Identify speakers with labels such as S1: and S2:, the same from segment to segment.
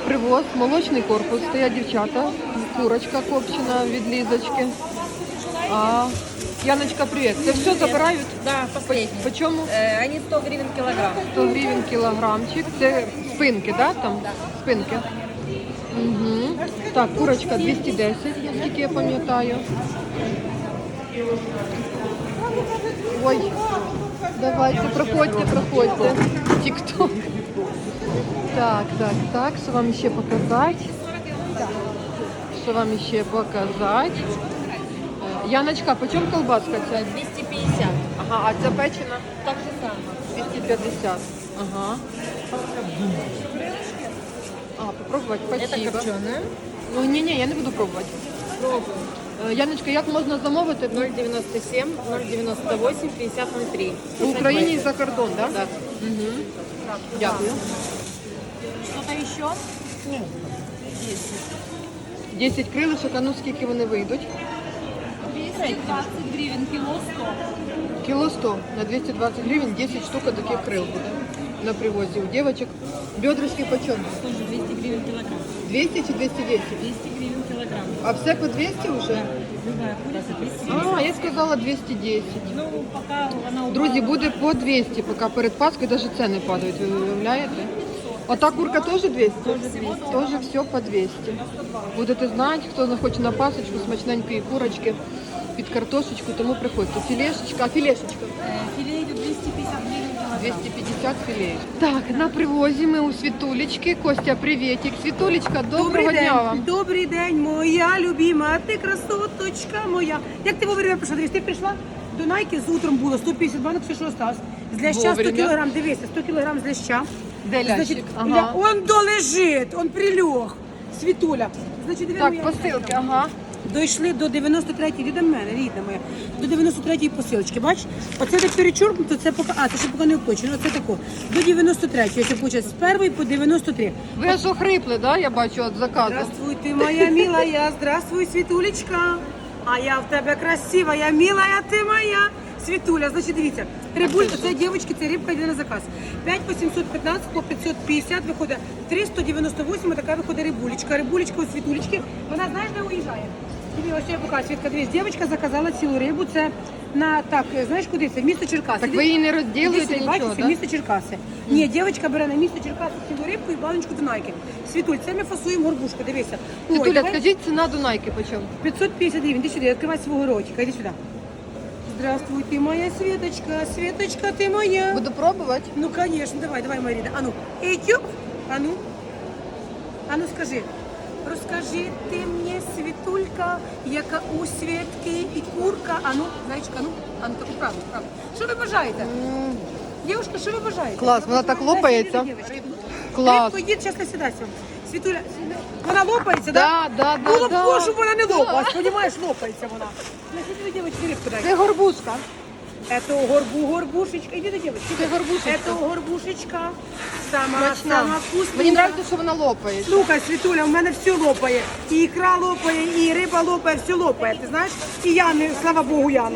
S1: привоз, молочний корпус, стоять дівчата, курочка копчена від Лізочки. Яночка, привіт. Це все забирають?
S2: Да, последний.
S1: По чому?
S2: Они 100 гривен килограмм.
S1: 100 гривень кілограмчик. Це спинки, да, там?
S2: Да.
S1: Спинки. Угу. Так, курочка 210, наскільки я пам'ятаю. Ой, давайте, проходьте. Тік-ток. Так, що вам ще показати? Яночка, по чому колбаска ця?
S2: 250.
S1: Ага, а ця печена?
S2: Так же самое.
S1: 250. Ага. Попробувати,
S2: Это
S1: спасибо.
S2: копченая.
S1: Ну, ні, я не буду пробувати.
S2: Пробуем.
S1: Яночка, як можна замовити?
S2: 0,97, 0,98, 50,03.
S1: В Україні і за кордон, да?
S2: Да.
S1: Угу. Дякую.
S2: Что-то еще?
S1: 10 крилишок, а ну скільки вони вийдуть?
S2: 220 гривен, кило 100.
S1: Кіло 100 на 220 гривень, 10 штук таких крил буде на привозі у дівчаток. Бедрышки почем?
S2: Тоже 200 гривен килограмм.
S1: 200 чи 210?
S2: 200 гривен килограмм.
S1: А все по 200 вже?
S2: Любая курица 200.
S1: Я сказала 210.
S2: Ну, пока она упала.
S1: Друзі, буде по 200, поки перед Паскою навіть ціни падають, ви уявляєте? Ота курка теж 200? Теж все по 200. Будете знати, хто захоче на пасочку, смачненької курочки, під картошечку, тому приходьте. Філешечка, філешечка.
S2: Филе идет 250 гривен килограмм.
S1: 250 філеїв. Так, на привозі ми у Світулечки. Костя, привітик. Світулечка, доброго дня вам.
S3: Добрий день, моя любима, ти красоточка моя. Як ти вовремя прийшла? Дивись, ти прийшла до Найки, з утром було 150 банок, все, що осталось. З ляща 100
S1: Вовремя.
S3: кілограм, дивися, 100 кілограм з ляща.
S1: Де лящик?
S3: Значить,
S1: Ага.
S3: он долежить, он прилег. Світуля. Значить, диви,
S1: Так,
S3: моя
S1: посилки, ага.
S3: Дійшли до 93-ї, йди до мене, рідна моя, до 93-ї посилочки, бачиш? Оце так перечоркнуто, це поки, це ще поки не опочено, оце тако. До 93-ї, ось виходить, з першої по 93.
S1: Ви аж охрипли, да, я бачу, від заказу.
S3: Здравствуй, ты моя милая, здравствуй, Світулечка. А я в тебе красива, я милая, ти моя. Світуля, значить, дивіться, рибуль, це дівчатки, це рибка йде на заказ. 5 по 715, по 550 виходить 398, така виходить рибулечка. Рибулечка у Світулечки, вона знаєш, де уїжджає? Тобі ось я покажу, Світка, дивись, дівчинка заказала цілу рибу, це на, так, знаєш куди це? В місто Черкаси.
S1: Так ви її не
S3: Іди
S1: розділуєте
S3: сюди,
S1: нічого,
S3: бачиш,
S1: да?
S3: місто Черкаси. Ні, дівчинка бере на місто Черкаси цілу рибку і баночку Дунайки. Світуль, це ми фасуємо горбушку, дивися. Ой,
S1: Світуля,
S3: давай.
S1: скажіть, ціна Дунайки по чому?
S3: 550 гривен. Иди сюда, открывай своего ротика. Иди сюда. Здравствуй, ты моя Светочка. Светочка, ты моя.
S1: Буду пробувати.
S3: Ну, конечно, давай, Марина. А ну, Этюб. А ну, скажи. Розкажи ти мені, Світулька, яка у Світки і курка. А ну, зайчка, таку правду. Що ви бажаєте? Дівушка, що ви бажаєте?
S1: Клас, вона так лопається. Клас.
S3: Рибку йдіть, зараз насідайся. Світуля, вона лопається, так?
S1: Да.
S3: Було б б, щоб вона не лопалась, розумієш, лопається вона. Значить, ви, дівчатки, рибку дайте.
S1: Це горбушка.
S3: Это горбушечка. Иди до девочки.
S1: Це горбушечка.
S3: Это горбушечка. Сама
S1: Смачна.
S3: вкусна.
S1: Мені подобається, що вона лопається.
S3: Слухай, Світуля, у мене все лопає. І ікра лопає, і риба лопає, все лопає. Ти знаєш? І я, не, слава Богу, Яну.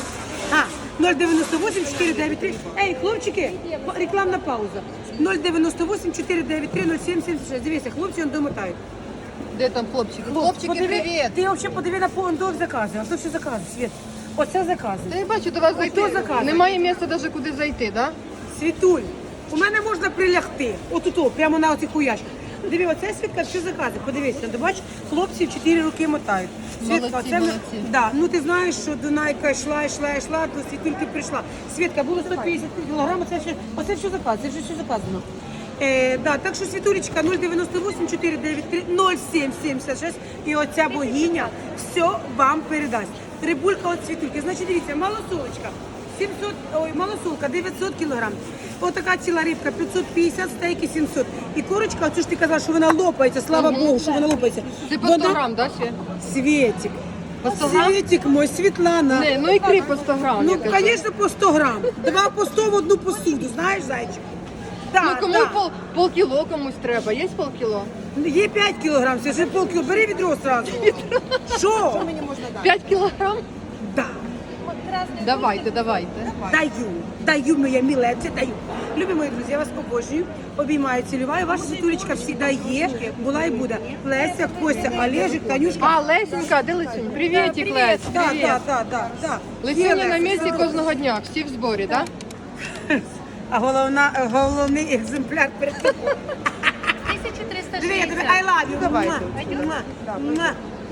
S3: 098 493. Ей, хлопчики, рекламна пауза. 098 493 0776. Дивіться, хлопці он домотають.
S1: Де там хлопчики? Хлопчики, привіт.
S3: Ти взагалі подиви на повндов закази. А то все закази, Світ. Оце закази.
S1: Та я бачу, до вас зайти.
S3: заказує?
S1: Немає місця навіть куди зайти, да?
S3: Світуль, у мене можна прилягти. Отут, прямо на оцих хуячках. Диви, оце Світка, все закази. Подивися, ти бачиш, хлопці в 4 роки мотають.
S1: Молодці,
S3: це
S1: молодці.
S3: Да, ну ти знаєш, що Дунайка йшла, до Світульки прийшла. Світка, було 150 кг, оце все заказано, це вже все заказано. Да, так що Світулечка 098 493 0776 і оця богиня все вам передасть. Рибулька от Світульки. Значить, дивіться, малосолочка. Малосолка 900 кг. Отака ціла рибка 550, стейки 700. І курочка, оцю ж ти казала, що вона лопається, слава Богу, що вона лопається.
S1: Це по 100 грам, да, Свет?
S3: Світик.
S1: По 100 грам?
S3: Світик мой, Світлана.
S1: Не, ну ікри по 100 грам.
S3: Ну,
S1: я кажу.
S3: звісно, по 100 грам. 2 по 100 в одну посуду, знаєш, зайчик?
S1: Ну
S3: Так,
S1: кому
S3: так.
S1: полкіло комусь треба. Є полкіло?
S3: Є 5 кілограм, це вже полкіло. Бери відро одразу. Що?
S1: 5 кілограм?
S3: Да.
S1: Давайте, давайте.
S3: Даю, моя милая, це даю. Любі мої друзі, я вас обожнюю, обіймаю, цілюваю. Ваша світулечка завжди є, була і буде. Леся, Костя, Олежик, Танюшка.
S1: А, Лесенька, де Лесюнь? Привітик, Лесь,
S3: Так,
S1: привіт.
S3: так.
S1: Лесюня на місці кожного дня, всі в зборі, так?
S3: А головний екземпляр перед тобою.
S2: 1360.
S3: Диви, я тебе I love you.
S1: Давайте.
S3: Муа.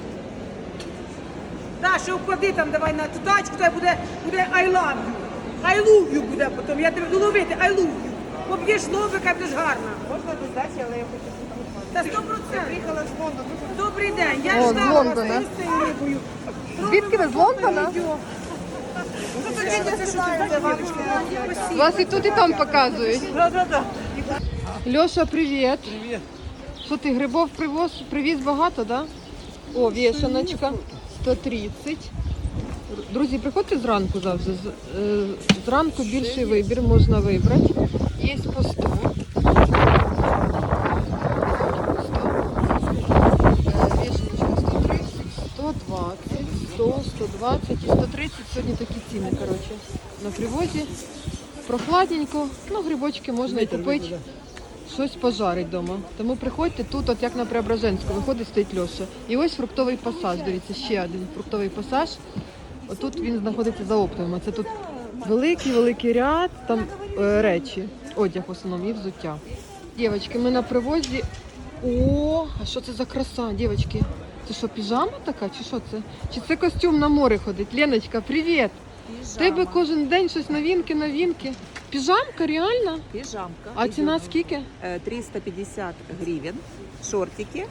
S3: Да, ще вклади там, давай на ту тачку, то буде I love you. I love you буде потім, я тебе буду ловити, I love you. Поб'єш лобика, будеш гарна.
S4: Можна додати, але я хочу
S3: Та 100%.
S4: приїхала з Лондону.
S3: Добрий день, я
S1: О, з
S3: ждала вас
S1: Лондона.
S3: з цією рибою.
S1: Звідки ви, з Лондона? Вас і тут, і там показують. Льоша, привіт. Привіт. Що ти, грибов привіз багато, да? О, вішаночка, 130. Друзі, приходьте зранку завжди. Зранку більший вибір можна вибрати. Є по 100. Вішаночка 130, 120, 100, 120 і 130. Сьогодні такі ціни, коротше, на привозі. Прохладненько, ну грибочки можна і купити. Щось пожарить вдома. Тому приходьте тут, от як на Преображенську, виходить, стоїть Льоша. І ось фруктовий пасаж, дивіться, ще один фруктовий пасаж. Отут він знаходиться за оптовим. Це тут великий ряд, там речі, одяг в основному і взуття. Дівчатки, ми на привозі. О, а що це за краса, дівчатки? Це що, піжама така, чи що це? Чи це костюм на море ходить? Леночка, привіт! В тебе кожен день щось новинки. Піжамка, реально?
S4: Пижамка.
S1: А ціна скільки?
S4: 350 гривен. Шортики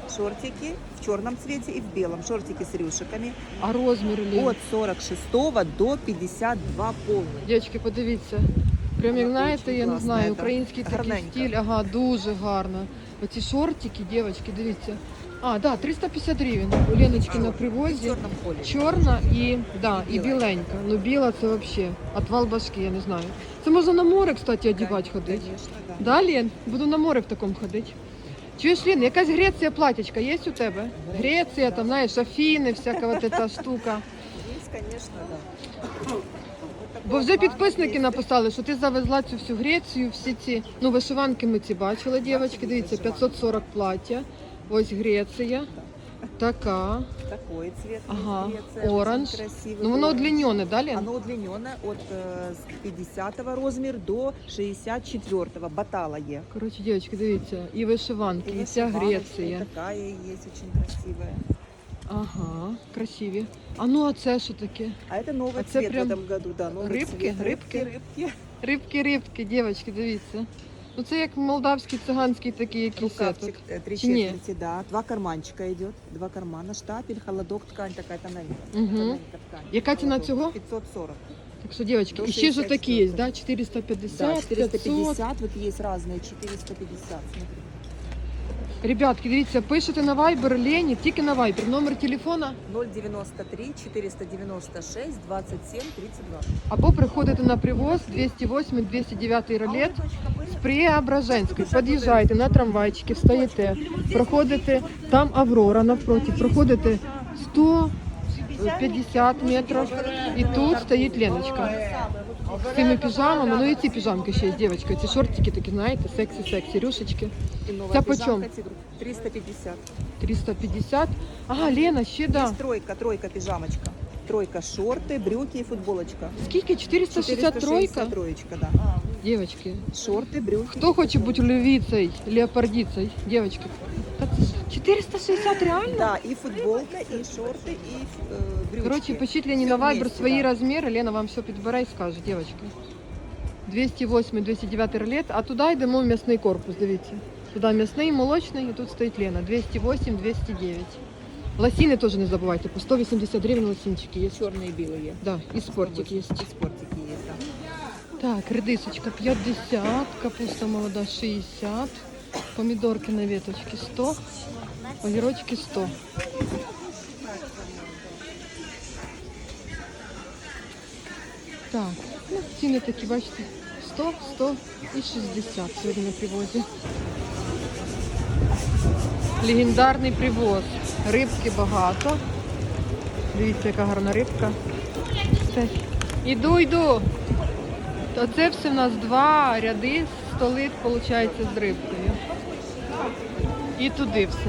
S4: в черном цвете и в белом. Шортики с рюшиками.
S1: А розмір, Лен?
S4: От 46 до 52 полный.
S1: Дівчатки, подивіться. Прям як знаєте, я не
S4: класна,
S1: знаю,
S4: да.
S1: український такий
S4: Гарненько.
S1: стиль. Ага, дуже гарно. Оці шортики, дівчатки, дивіться. А, да, 350 гривень. У Леночки на
S4: В
S1: привозі.
S4: черном поле.
S1: Чорна і біленька. Ну біла це взагалі отвал башки, я не знаю. Це можна на море, кстати, одягати ходити.
S4: Конечно, да.
S1: Да, Лен? Буду на море в такому ходити. Чуєш, Лен, якась Греція платічка є у тебе? Греція, там, знаєш, Афіни, всяка вот эта штука.
S4: Есть, конечно, да.
S1: Бо вже підписники написали, що ти завезла цю всю Грецію, всі ці, ну, вишиванки ми ці бачили, дівчатки, дивіться, 540 плаття. Ось Греція. Така.
S4: Такой цвет.
S1: Ага,
S4: есть Греция,
S1: оранж.
S4: очень красивый.
S1: Ну, воно
S4: оранж.
S1: удлінене, да, Лен?
S4: Оно удлиненное от 50 размер до 64 батала є.
S1: Коротше, дівчатки, дивіться, і вишиванки, і вся
S4: вышиваночка,
S1: Греція.
S4: и такая есть очень красивая.
S1: Ага, красиві. А ну, а це що таке?
S4: А это новый
S1: А це
S4: цвет
S1: прям
S4: в этом году, да, новый
S1: рибки?
S4: цвет.
S1: Рибки?
S4: Рыбки.
S1: Рибки, дівчатки, дивіться. Ну, це як молдавський, циганський такий якийсь.
S4: Рукавчик
S1: этот.
S4: 3
S1: Чи ні?
S4: четверти, да. 2 карманчика идет, 2 кармана, штапель, холодок, ткань такая тоненькая.
S1: Мгм.
S4: Тоненькая ткань.
S1: Яка ціна
S4: Холодок.
S1: цього?
S4: 540.
S1: Так що, дівчатки,
S4: До
S1: і ще ж
S4: 64.
S1: такі є, да?
S4: Да,
S1: 450, 500.
S4: 450, вот есть разные, 450, смотри.
S1: Ребятки, дивіться, пишете на Viber Лені, тільки на Viber. Номер телефона
S4: 093 496 27 32.
S1: або приходите на привоз 208-209 ролет з Преображенської. Під'їжджаєте на трамвайчики, встаєте, проходите, там Аврора навпроти, проходите 150 метрів і тут стоїть Леночка. З цими піжамами, ну і ці піжамки ще є, дівчатка, ці шортики такі, знаєте, сексі-сексі, рюшечки.
S4: И новая
S1: Це почем?
S4: пижамка тигр. 350.
S1: 350. Ага, Лена, ще да.
S4: Есть тройка пижамочка. Тройка шорты, брюки и футболочка.
S1: Скільки? 463?
S4: 463, да.
S1: Дівчатки,
S4: Шорты, брюки.
S1: хто хоче бути львівцею, леопардицею, дівчатки? Та це ж 460 реально?
S4: Да, и футболка, и шорты, и брючки.
S1: Коротше, пишіть Лені на
S4: Всё
S1: Viber
S4: вместе,
S1: свої
S4: да.
S1: розміри, Лена вам все підбере і скаже, дівчатки. 208-209 ролет, а туди йдемо в м'ясний корпус, дивіться. Туди м'ясний, молочний, і тут стоїть Лена. 208-209. Лосіни теж не забувайте, по 180 гривень лосінчики є.
S4: Черные и белые.
S1: Да, і спортик є.
S4: И спортики есть, да.
S1: Так, редисочка 50, капуста молода 60, помидорки на веточке 100, огірочки 100. Так, ну, ціни такі, бачите, 100, 100 і 60 сьогодні на привозі. Легендарний привоз. Рибки багато. Дивіться, яка гарна рибка. все. Іду. То це все в нас 2 ряди столи, виходить, з рибкою. І туди все.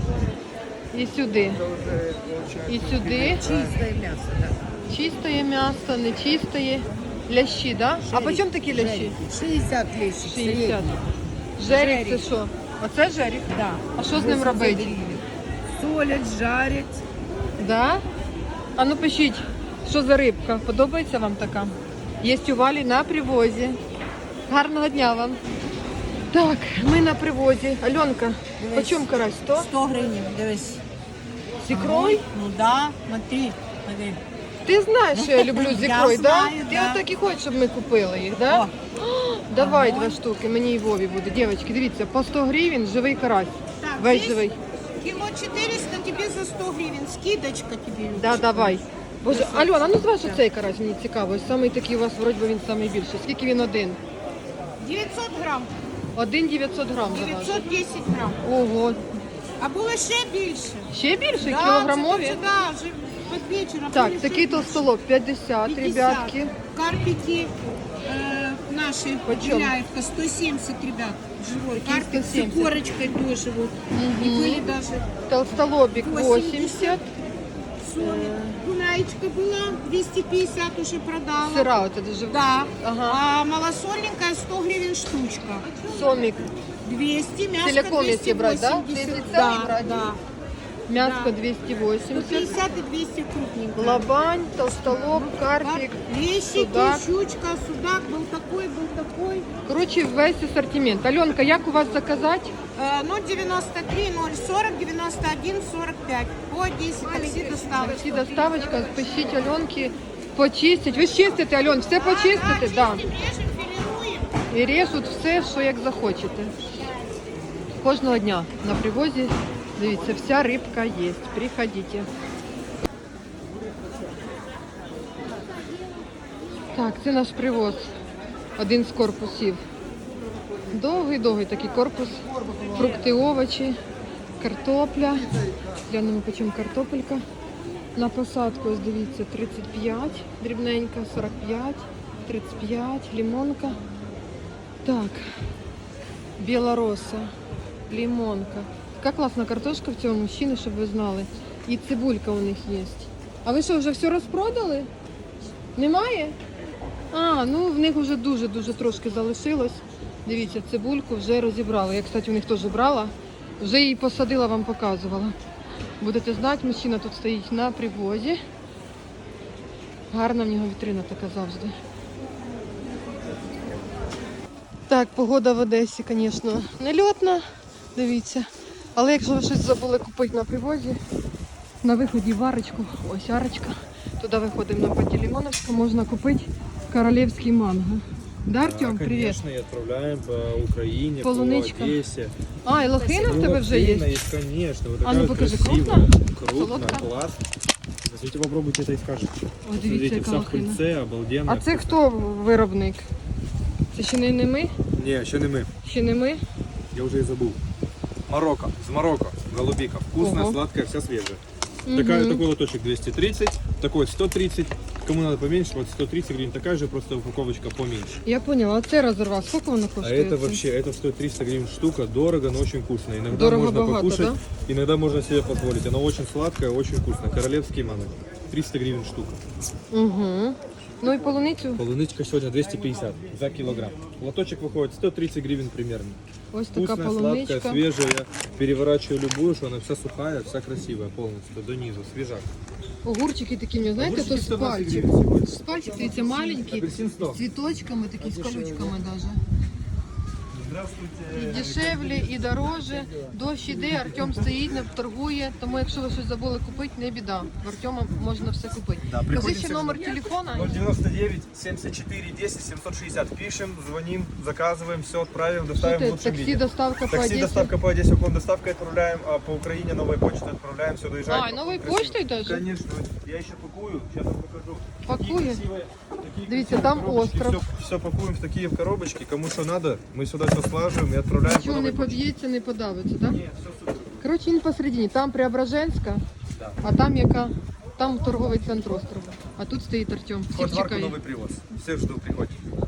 S1: І сюди. І сюди.
S4: Чистое мясо, да.
S1: Чистое м'ясо, нечистое. Лящі, да? А по чому такі лящі?
S4: 60 лещик.
S1: 60. Жеріх це що? Оце жеріх?
S4: Да.
S1: А що з ним робити?
S4: Солять, жарять.
S1: Да? А ну пишіть, що за рибка? Подобається вам така? Є у Валі на привозі. Гарного дня вам. Так, ми на привозі. Альонка, по чому карась? 100?
S5: 100 гривень, дивись.
S1: З ікрою?
S5: Ну да, смотри, смотри.
S1: Ти знаєш, що я люблю з ікрою,
S5: Я
S1: да?
S5: знаю,
S1: Ти
S5: да.
S1: отак і хочеш, щоб ми купили їх, да?
S5: О.
S1: Давай 2 штуки, мені і Вові буде. Дівчатки, дивіться, по 100 гривень живий карась.
S2: Так,
S1: Весь
S2: здесь
S1: живий.
S2: Кило 400 тебе за 100 гривен. Скидочка тебе.
S1: Да, давай. Боже, Альона, ну зваж цей карась, мені цікаво. Ось самий такий у вас, вроді би, він самий більший. Скільки він один?
S2: 900 грам.
S1: Один 900 грам заважить.
S2: 910 грам.
S1: Ого.
S2: А було ще більше.
S1: Ще більше?
S2: Да,
S1: Кілограмові?
S2: це да, вже під вечором.
S1: Так,
S2: були
S1: такий
S2: ще
S1: толстолоб 50,
S2: 50.
S1: ребятки.
S2: Карпики наши,
S1: Почем?
S2: Беляевка, 170, ребят. Живой
S1: Какие
S2: карпик с
S1: 170?
S2: корочкой тоже вот. И были даже
S1: Толстолобик 80.
S2: 80. Гуляечка была 250 уже продала.
S1: Сыра вот это же.
S2: Да.
S1: Ага.
S2: А малосольненькая 100 гривен штучка.
S1: Сомик.
S2: 200, мяско
S1: Целиком если
S2: 280.
S1: брать, да? Если целый
S2: Да,
S1: брать?
S2: да.
S1: Мяско
S2: Да.
S1: 280.
S2: 150 и 200 крупненькая.
S1: Лобань, толстолоб, карпик.
S2: Лещики,
S1: судак.
S2: щучка, судак был такой.
S1: Короче, весь ассортимент. Аленка, як у вас заказать?
S2: 093, 040, 91, 45. По 10 такси доставочка.
S1: Таксі доставочка, пишіть Альонки, почистять. Ви ж чистите, Альон, все почистите? Да.
S2: Чистим, режем, филируем.
S1: І режуть все, що як захочете. Кожного дня на привозі, дивіться, вся рибка є. Приходите. Так, це наш привоз. Один з корпусів. Довгий такий корпус. Фрукти, овочі, картопля. Глянемо, по чому картопелька. На посадку, ось дивіться, 35, дрібненька, 45, 35, лимонка. Так, білороса, лимонка. Така класна картошка в цьому мужчини, щоб ви знали. І цибулька у них є. А ви що, вже все розпродали? Немає? А, ну в них вже дуже трошки залишилось. Дивіться, цибульку вже розібрали. Я, кстати, у них теж брала. Вже її посадила, вам показувала. Будете знати, мужчина тут стоїть на привозі. Гарна в нього вітрина така завжди. Так, погода в Одесі, звісно, нельотна, дивіться. Але якщо ви щось забули купити на привозі, на виході в арочку, ось арочка, туди виходимо на Пантелеймоновську, можна купити королівський манго. Да, Артем, привіт.
S6: Конечно, и отправляем по Украине,
S1: Полуничка.
S6: по Одессе.
S1: А, і лохина в тебе вже
S6: Лохина
S1: є?
S6: есть, конечно. Вот
S1: А ну
S6: такая
S1: покажи,
S6: красивая.
S1: крупно? Солодка?
S6: Класс. Возьмите, попробуйте это и скажете.
S1: Ось дивіться,
S6: Смотрите,
S1: яка
S6: вся в
S1: лохина.
S6: пыльце, обалденно.
S1: А це хто виробник? Це ще не ми?
S6: Не, еще не мы.
S1: Ще не ми?
S6: Я уже и забыл. Марокко. С Марокко. Голубика. Вкусная,
S1: Ого.
S6: сладкая, вся свежая.
S1: Мгм.
S6: Такой лоточек 230, такой 130. Кому надо поменьше, вот 130 гривен. Такая же, просто упаковочка поменьше.
S1: Я поняла, а це розорвав. Скільки воно
S6: А
S1: коштує?
S6: это
S1: це?
S6: вообще, это стоит 300 гривен штука, дорого, но очень вкусно. Иногда
S1: Дорого,
S6: можно
S1: богато,
S6: покушать,
S1: да?
S6: иногда можно себе позволить. Оно очень сладкое, очень вкусно. Королевский манго. 300 гривен штука.
S1: Угу. Ну і полуницю
S6: Полуничка сегодня 250 за килограмм. Лоточек выходит 130 гривен примерно.
S1: ось така
S6: Вкусная, сладкая,
S1: полуничка.
S6: свежая. Я переворачиваю любую, что она вся сухая, вся красивая полностью, до низу, свежак.
S1: Огурчики такі, мені, знаєте, то
S6: Огурчики
S1: з
S6: 120
S1: пальчик.
S6: гривен сегодня.
S1: З пальчик, дивіться, маленькі,
S6: Апельсин 100.
S1: з цвіточками, такі, з колючками даже.
S6: Здравствуйте.
S1: І дешевле, і дороже. Дощ іде, Артем стоїть, не торгує. Тому якщо ви щось забули купити, не біда. В Артема можна все купити.
S7: Да,
S1: Кажи
S7: приходите
S1: ще номер телефона.
S7: 099 74 10 760. Пишем, звоним, заказываем, все отправим,
S1: Що
S7: доставим в
S1: ти,
S7: лучшем
S1: таксі,
S7: виде.
S1: доставка по
S7: Такси,
S1: Одесі?
S7: доставка по Одессе, уклон доставкой отправляем, а по Украине новой почтой отправляем, все доезжает.
S1: А, новой
S7: Красиво.
S1: почтой даже?
S7: Конечно, я еще пакую, сейчас вам покажу.
S1: Пакує?
S7: Такие
S1: Дивіться,
S7: красивые
S1: там
S7: коробочки.
S1: остров.
S7: Все пакуем в такие коробочки, кому что надо, мы сюда все слаживаем и отправляем.
S1: Нічого
S7: по
S1: не
S7: новой почте.
S1: поб'ється, не подавиться, так?
S7: Нет, все супер.
S1: Коротше, він посередині. Там Преображенська,
S7: Да.
S1: а там яка? Там торговий центр острова. А тут стоїть Артем.
S7: Вход
S1: Всіх
S7: в арку
S1: чекає.
S7: новый привоз. Всех жду, приходите.